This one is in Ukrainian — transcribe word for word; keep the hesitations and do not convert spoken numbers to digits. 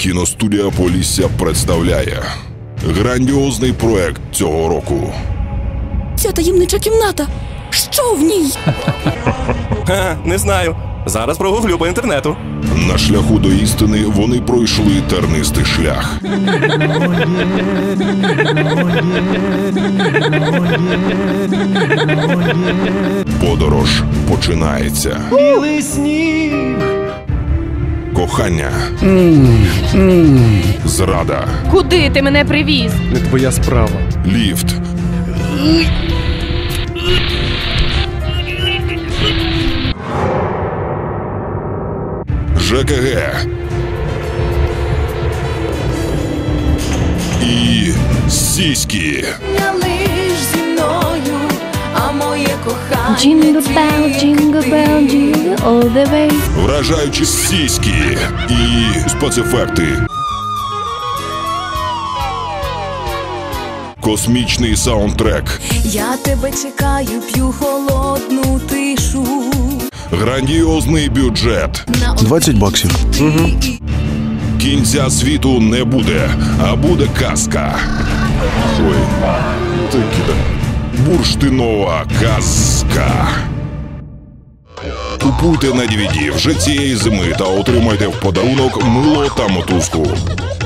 Кіностудія Полісся представляє грандіозний проект цього року. Ця таємнича кімната. Що в ній? Ха, не знаю. Зараз прогуглю по інтернету. На шляху до істини вони пройшли тернистий шлях. Подорож починається. Білий сніг. Кохання. Зрада. Куди ти мене привіз? Не твоя справа. Ліфт. ЖКГ. І сіськи. Не лиш зі мною, а моє кохання. Jingle bell, jingle bell, jingle all the way. Вражаючі сіськи і спецефекти. Космічний саундтрек. Я тебе чекаю, п'ю холодну тишу. Грандіозний бюджет. двадцять баксів. Угу. Кінця світу не буде, а буде казка. Ой, такі-то. Бурштинова казка. Купуйте на ді ві ді вже цієї зими та отримайте в подарунок мило та мотузку.